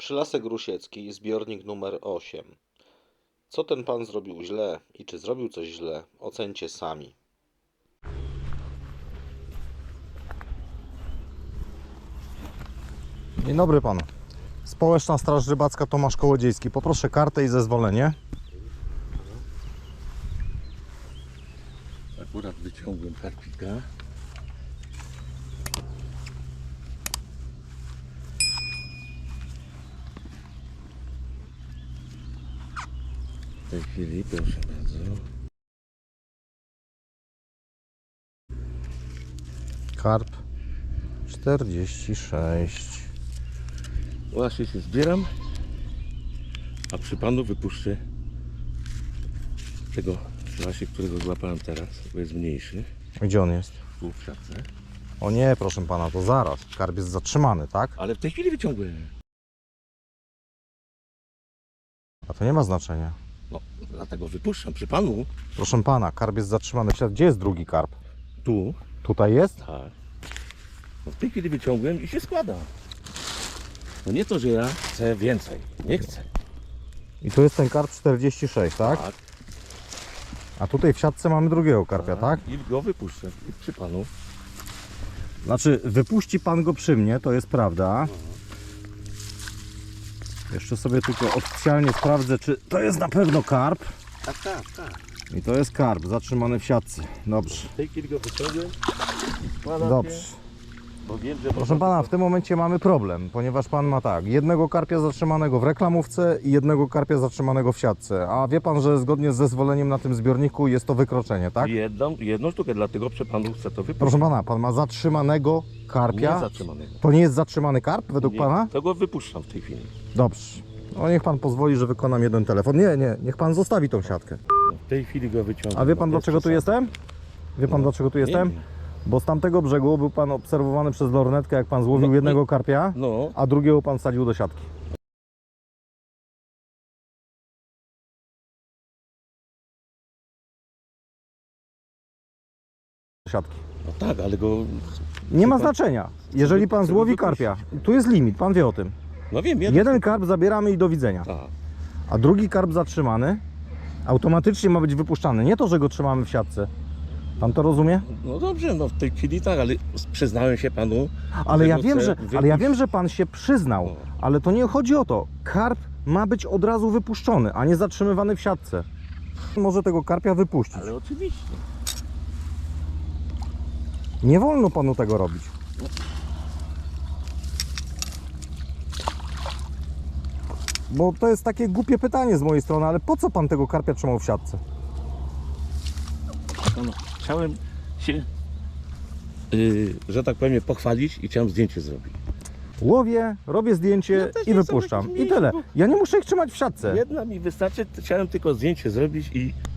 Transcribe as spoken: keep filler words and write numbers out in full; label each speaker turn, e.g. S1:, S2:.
S1: Przylasek Rusiecki, zbiornik numer osiem. Co ten pan zrobił źle i czy zrobił coś źle, ocencie sami.
S2: Dzień dobry panu. Społeczna Straż Rybacka Tomasz Kołodziejski. Poproszę kartę i zezwolenie.
S3: Akurat wyciągłem karpika. W tej chwili, proszę bardzo.
S2: Karp czterdzieści sześć.
S3: Właśnie się zbieram, a przy panu wypuszczę tego właśnie, którego złapałem teraz, bo jest mniejszy.
S2: Gdzie on jest?
S3: Tu w siatce.
S2: O nie, proszę pana, to zaraz. Karp jest zatrzymany, tak?
S3: Ale w tej chwili wyciągłem.
S2: A to nie ma znaczenia.
S3: No, dlatego wypuszczam przy panu.
S2: Proszę pana, karp jest zatrzymany. Gdzie jest drugi karp?
S3: Tu.
S2: Tutaj jest?
S3: Tak. No, w tej chwili wyciągłem i się składa. No nie to, że ja chcę więcej. Nie chcę.
S2: I tu jest ten karp czterdzieści sześć, tak?
S3: Tak.
S2: A tutaj w siatce mamy drugiego karpia, tak?
S3: I go wypuszczę I przy panu.
S2: Znaczy, wypuści pan go przy mnie, to jest prawda. Jeszcze sobie tylko oficjalnie sprawdzę, czy to jest na pewno karp.
S3: Tak, tak, tak.
S2: I to jest karp zatrzymany w siatce. Dobrze.
S3: W tej chwili go wyciągłem i składam
S2: Dobrze.
S3: się, bo wiem, że
S2: Proszę pana, w tym momencie mamy problem, ponieważ pan ma tak, jednego karpia zatrzymanego w reklamówce i jednego karpia zatrzymanego w siatce. A wie pan, że zgodnie z zezwoleniem na tym zbiorniku jest to wykroczenie, tak?
S3: jedną, jedną sztukę, dlatego przy panu chcę to wypuścić.
S2: Proszę pana, pan ma zatrzymanego karpia.
S3: Nie zatrzymanego.
S2: To nie jest zatrzymany karp według
S3: Nie,
S2: pana?
S3: to go wypuszczam w tej chwili.
S2: Dobrze. No niech pan pozwoli, że wykonam jeden telefon. Nie, nie, niech pan zostawi tą siatkę.
S3: W tej chwili go wyciągam.
S2: A wie pan
S3: bo
S2: dlaczego tu
S3: jest
S2: jestem? Wie pan
S3: No,
S2: dlaczego tu
S3: nie
S2: jestem?
S3: wiem.
S2: Bo z tamtego brzegu był pan obserwowany przez lornetkę, jak pan złowił
S3: No,
S2: jednego karpia,
S3: No,
S2: a drugiego pan wsadził do siatki. Do siatki.
S3: no tak, ale go...
S2: Nie ma
S3: pan-
S2: znaczenia. Jeżeli pan
S3: chcę go
S2: złowi
S3: wypuścić.
S2: karpia, tu jest limit, pan wie o tym.
S3: No wiem, jeden.
S2: Jeden karp zabieramy i do widzenia.
S3: Tak.
S2: A drugi karp zatrzymany automatycznie ma być wypuszczany. Nie to, że go trzymamy w siatce. Pan to rozumie?
S3: No dobrze, no w tej chwili tak, ale przyznałem się panu.
S2: Ale ja
S3: go
S2: wiem,
S3: chcę
S2: że,
S3: wypuścić.
S2: ale ja wiem, że pan się przyznał,
S3: No.
S2: ale to nie chodzi o to. Karp ma być od razu wypuszczony, a nie zatrzymywany w siatce. Może tego karpia wypuścić.
S3: Ale oczywiście.
S2: Nie wolno panu tego robić. Bo to jest takie głupie pytanie z mojej strony, ale po co pan tego karpia trzymał w siatce?
S3: No, no, chciałem się, yy, że tak powiem, pochwalić i chciałem zdjęcie zrobić.
S2: Łowię, robię zdjęcie
S3: Ja też
S2: i
S3: nie chcę
S2: wypuszczam.
S3: być
S2: I tyle.
S3: mniejszy,
S2: Ja nie muszę ich trzymać w siatce.
S3: Jedna mi wystarczy, chciałem tylko zdjęcie zrobić i